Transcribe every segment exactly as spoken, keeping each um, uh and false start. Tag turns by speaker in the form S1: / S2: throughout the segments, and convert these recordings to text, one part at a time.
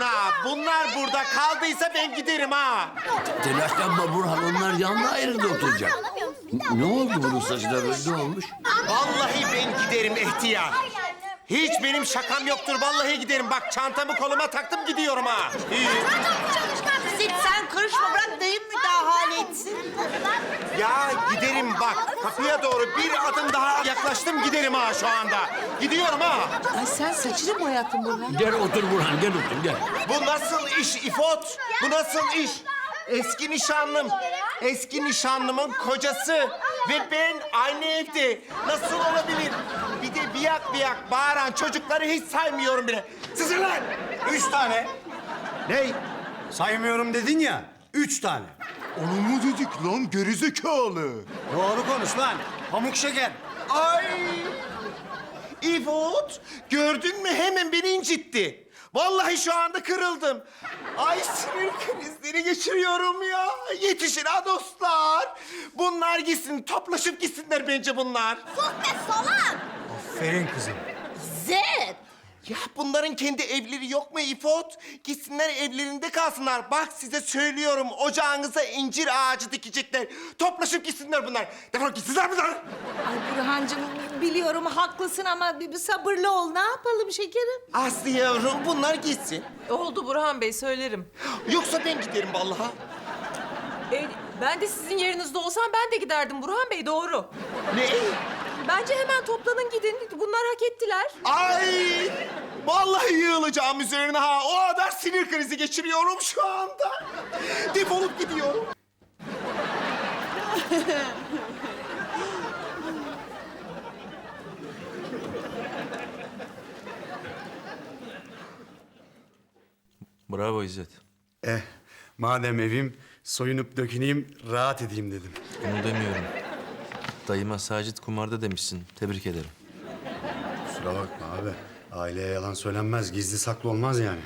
S1: ha. Bunlar burada kaldıysa ben giderim ha.
S2: Telaşlanma Burhan, onlar yanlı ayrıda oturacak. N- Ne oldu bunun saçına böyle, ne olmuş?
S1: Vallahi ben giderim ihtiyar. Hiç benim şakam yoktur. Vallahi giderim. Bak çantamı koluma taktım gidiyorum ha. İyi.
S3: Zit sen karışma, bırak dayım müdahale etsin.
S1: Ya giderim bak. Kapıya doğru bir adım daha yaklaştım giderim ha şu anda. Gidiyorum ha.
S4: Ay sen saçını mı boyattın Burhan?
S2: Gel otur Burhan, gel otur, gel.
S1: Bu nasıl iş İfot? Bu nasıl iş? Eski nişanlım, eski nişanlımın kocası ve ben aynı evde. Nasıl olabilir? Bir de biyak biyak bağıran çocukları hiç saymıyorum bile. Sizin lan!
S5: Üç tane. Ney? Saymıyorum dedin ya. Üç tane.
S1: Onu mu dedik lan gerizekalı?
S5: Doğru konuş lan. Pamuk şeker.
S1: Ay! İfot, gördün mü hemen beni incitti. Vallahi şu anda kırıldım. Ay sinir krizleri geçiriyorum ya. Yetişin ha dostlar. Bunlar gitsin, toplaşıp gitsinler bence bunlar.
S3: Sus be salak!
S5: Aferin kızım.
S3: Zit!
S1: Ya bunların kendi evleri yok mu İfot? Gitsinler evlerinde kalsınlar. Bak size söylüyorum, ocağınıza incir ağacı dikecekler. Toplaşıp gitsinler bunlar. Defol gitsinler bunlar.
S4: Ay Burhancığım biliyorum haklısın ama bir, bir sabırlı ol. Ne yapalım şekerim?
S1: Aslı yavrum bunlar gitsin.
S6: Oldu Burhan Bey, söylerim.
S1: Yoksa ben giderim vallahi.
S6: E, ben de sizin yerinizde olsam ben de giderdim Burhan Bey, doğru.
S1: Ne?
S6: Bence hemen toplanın gidin. Bunlar hak ettiler.
S1: Ay! Vallahi yığılacağım üzerine ha. O kadar sinir krizi geçiriyorum şu anda. Defolup gidiyorum.
S7: Bravo İzzet.
S5: Eh, madem evim, soyunup döküneyim, rahat edeyim dedim.
S7: Onu demiyorum. Dayıma Sacit kumarda demişsin. Tebrik ederim.
S5: Kusura bakma abi. Aileye yalan söylenmez, gizli saklı olmaz yani.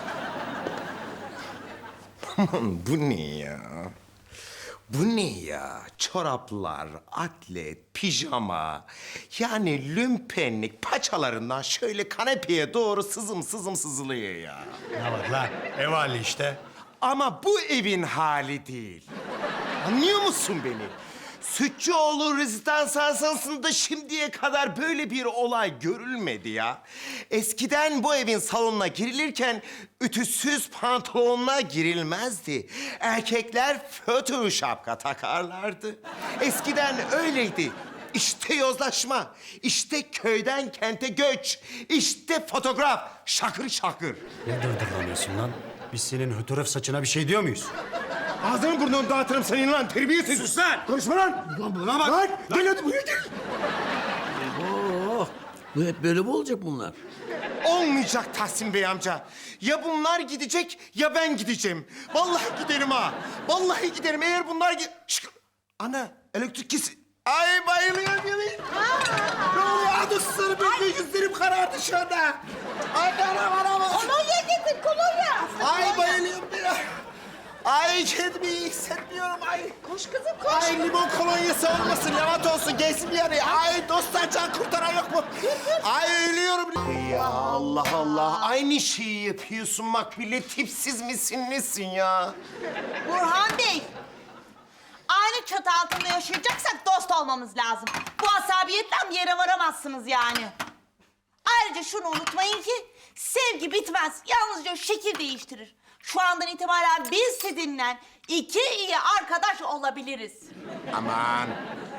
S1: Bu ne ya? Bu ne ya? Çoraplar, atlet, pijama. Yani lümpenlik paçalarından şöyle kanepeye doğru sızım sızım sızılıyor ya.
S5: Ne var lan? Ev hali işte.
S1: Ama bu evin hali değil. Anlıyor musun beni? Sütçüoğlu rezidans asansında şimdiye kadar böyle bir olay görülmedi ya. Eskiden bu evin salonuna girilirken ütüsüz pantolonla girilmezdi. Erkekler fötr şapka takarlardı. Eskiden öyleydi. İşte yozlaşma, işte köyden kente göç, işte fotoğraf, şakır şakır.
S5: Ne dırdırlanıyorsun lan? Biz senin hötöröf saçına bir şey diyor muyuz?
S1: Ağzını burnunu dağıtırım senin lan, terbiyesiz.
S5: Sus lan!
S1: Konuşma lan!
S5: Lan buna bak!
S1: Lan, gel hadi buraya gel.
S2: Oh, bu hep böyle mi olacak bunlar?
S1: Olmayacak Tahsin Bey amca. Ya bunlar gidecek ya ben gideceğim. Vallahi giderim ha. Vallahi giderim eğer bunlar... gi- Şşk! Ana elektrik kesin. Ay bayılıyorum yemin. Ne oluyor? Adı sarı böyle yüzlerim karardı şu anda. Ay anam anam.
S3: Kolonya getir, kolonya!
S1: Ay bayılıyorum ya. Ay kendimi iyi hissetmiyorum ay.
S3: Koş kızım, koş!
S1: Ay limon kolonyası olmasın, lavat olsun, gelsin bir yana. Ay dostlar can kurtaran yok mu? Ay ölüyorum. Ya Allah Allah, aynı şeyi yapıyorsun Makbule. Tipsiz misin, nesin ya?
S3: Burhan Bey, aynı çatı altında yaşayacaksak dost olmamız lazım. Bu asabiyetten bir yere varamazsınız yani. Ayrıca şunu unutmayın ki sevgi bitmez. Yalnızca şekil değiştirir. Şu andan itibaren biz sizinle iki iyi arkadaş olabiliriz.
S1: Aman.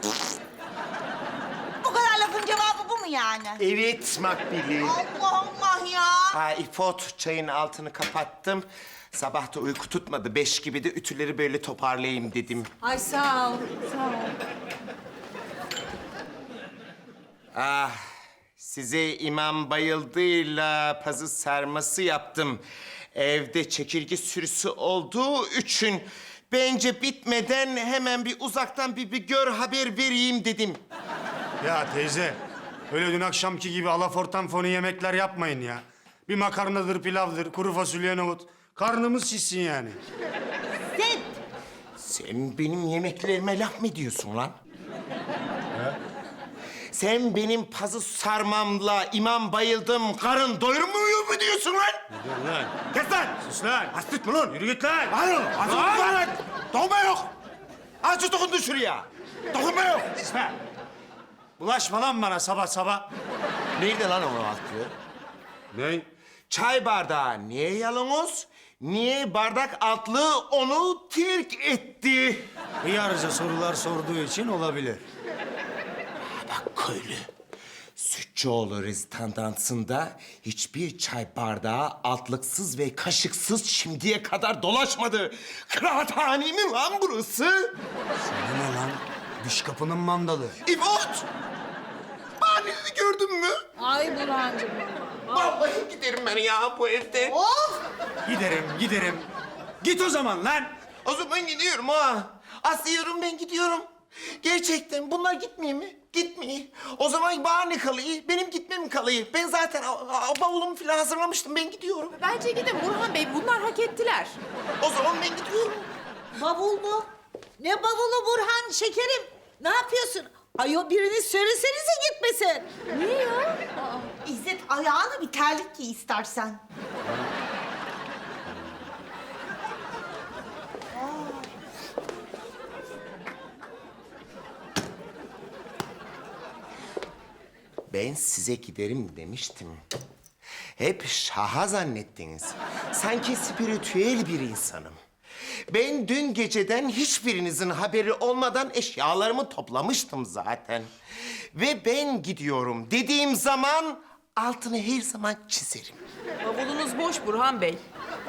S3: Bu kadar lafın cevabı bu mu yani?
S1: Evet Makbule.
S3: Allah Allah ya!
S1: Ha İfot, çayın altını kapattım. Sabah da uyku tutmadı. Beş gibi de ütüleri böyle toparlayayım dedim.
S4: Ay sağ ol, sağ ol.
S1: Ah, size İmam Bayıldı'yla pazı sarması yaptım. Evde çekirge sürüsü olduğu için bence bitmeden hemen bir uzaktan bir, bir gör haber vereyim dedim.
S5: Ya teyze, öyle dün akşamki gibi alafortan fonu yemekler yapmayın ya. Bir makarnadır, pilavdır, kuru fasulye nohut. Karnımız şişsin yani.
S3: Zed!
S1: Sen benim yemeklerime laf mı diyorsun lan? Sen benim pazı sarmamla imam bayıldım, karın doyurmuyor mu diyorsun? diyorsun lan?
S5: Dur lan.
S1: Kes lan!
S5: Sus lan.
S1: Hasret mi lan?
S5: Yürü git lan.
S1: Lan! Hasret mi lan? Dokunma yok! Azıcık dokundun şuraya. Dokunma yok!
S5: Sus be. Bulaşma lan bana sabah sabah.
S1: Nerede lan o altı?
S5: Ne?
S1: Çay bardağı niye yalnız? Niye bardak altlı onu terk etti?
S5: Hıyarca sorular sorduğu için olabilir.
S1: Bak köylü. Sütçüoğlu rezidandansında hiçbir çay bardağı altlıksız ve kaşıksız şimdiye kadar dolaşmadı. Kıraathane mi lan burası?
S5: Sana ne lan? Dış kapının mandalı.
S1: İbot! Bahaneni gördün mü?
S4: Ay Burhan'cığım.
S1: Vallahi giderim ben ya bu evde.
S3: Of!
S5: Giderim, giderim. Git o zaman lan.
S1: O zaman gidiyorum ha. Aslıyorum ben gidiyorum. Gerçekten bunlar gitmiyor mi? Gitmiyor. O zaman bahane kalıyor. Benim gitmem kalıyor. Ben zaten a- a- bavulumu falan hazırlamıştım. Ben gidiyorum.
S6: Bence gidin Burhan Bey. Bunlar hak ettiler.
S1: O zaman ben gidiyorum.
S4: Bavul mu? Ne bavulu Burhan şekerim? Ne yapıyorsun? Ayo biriniz söylesenize gitmesin.
S3: Niye ya? Aa, İzzet ayağına bir terlik giy istersen.
S1: Ben size giderim demiştim. Hep şaha zannettiniz. Sanki spiritüel bir insanım. Ben dün geceden hiçbirinizin haberi olmadan eşyalarımı toplamıştım zaten. Ve ben gidiyorum dediğim zaman altını her zaman çizerim.
S6: Bavulunuz boş Burhan Bey.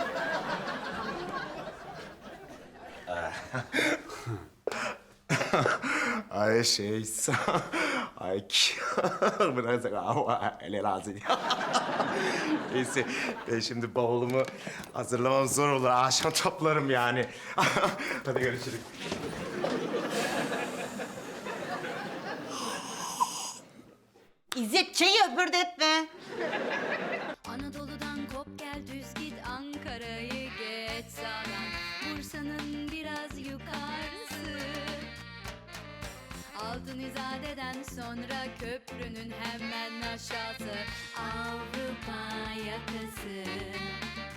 S1: Ay şey, ay bırak ama ele lazım. Neyse ben şimdi bavulumu hazırlamam zor olur. Akşam toplarım yani. Hadi görüşürüz.
S3: İzzet çayı öpürdetme.
S8: Anadolu'dan kop gel düz git Ankara'yı geç sağdan Bursa'nın biraz yukarısı Altın İzade'den sonra köprünün hemen aşağısı Avrupa yakası